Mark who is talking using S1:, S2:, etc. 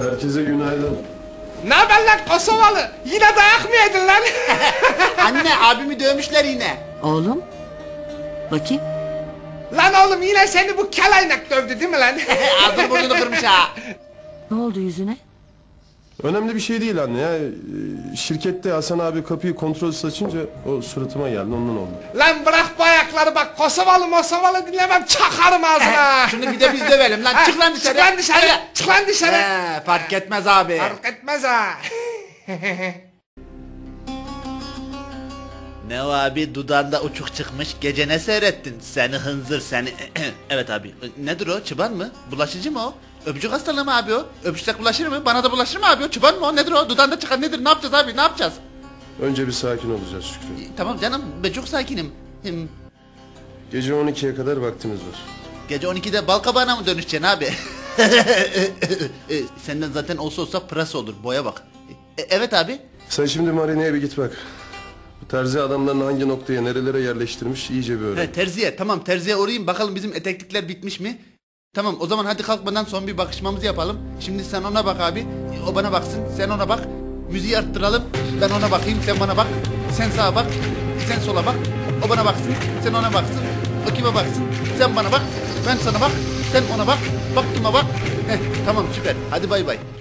S1: Herkese günaydın.
S2: Ne haber lan Kosovalı? Yine dayak mı yedin lan?
S3: Anne abimi dövmüşler yine.
S4: Oğlum. Bakayım.
S2: Lan oğlum yine seni bu kelaynak dövdü değil mi lan?
S3: Ağzını burnunu kırmış ha.
S4: Ne oldu yüzüne?
S1: Önemli bir şey değil anne ya. Şirkette Hasan abi kapıyı kontrolsüz açınca o suratıma geldi, ondan oldu.
S2: Lan bırak bu ayakları bak, Kosovalı dinlemem, çakarım ağzına.
S3: Şunu bir de biz dövelim lan. Çık lan dışarı.
S2: Çık lan dışarı.
S3: Hadi.
S2: Çık lan dışarı.
S3: Fark etmez abi.
S2: Fark etmez ha.
S5: Ne o abi, dudağında uçuk çıkmış, gece ne seyrettin? Seni hınzır seni. Evet abi, nedir o, çıban mı? Bulaşıcı mı o? Öpücük hastalığı mı abi o? Öpüşsek bulaşır mı? Bana da bulaşır mı abi o? Çıban mı o? Nedir o? Dudağında çıkan nedir? Ne yapacağız abi? Ne yapacağız?
S1: Önce bir sakin olacağız Şükrü.
S5: Tamam canım, ben çok sakinim.
S1: Gece 12'ye kadar vaktimiz var.
S5: Gece 12'de balkabağına mı dönüşeceksin abi? Senden zaten olsa pırasa olur, boya bak. Evet abi.
S1: Sen şimdi marineye bir git bak. Bu terzi adamlarını hangi noktaya, nerelere yerleştirmiş iyice bir öğren.
S5: He, terziye, tamam, terziye uğrayayım bakalım bizim eteklikler bitmiş mi? Tamam, o zaman hadi kalkmadan son bir bakışmamızı yapalım. Şimdi sen ona bak abi, o bana baksın, sen ona bak. Müziği arttıralım, ben ona bakayım, sen bana bak. Sen sağa bak, sen sola bak. O bana baksın, sen ona baksın. O kime baksın, sen bana bak. Ben sana bak, sen ona bak. Bak kime bak. Heh, tamam, süper, hadi bay bay.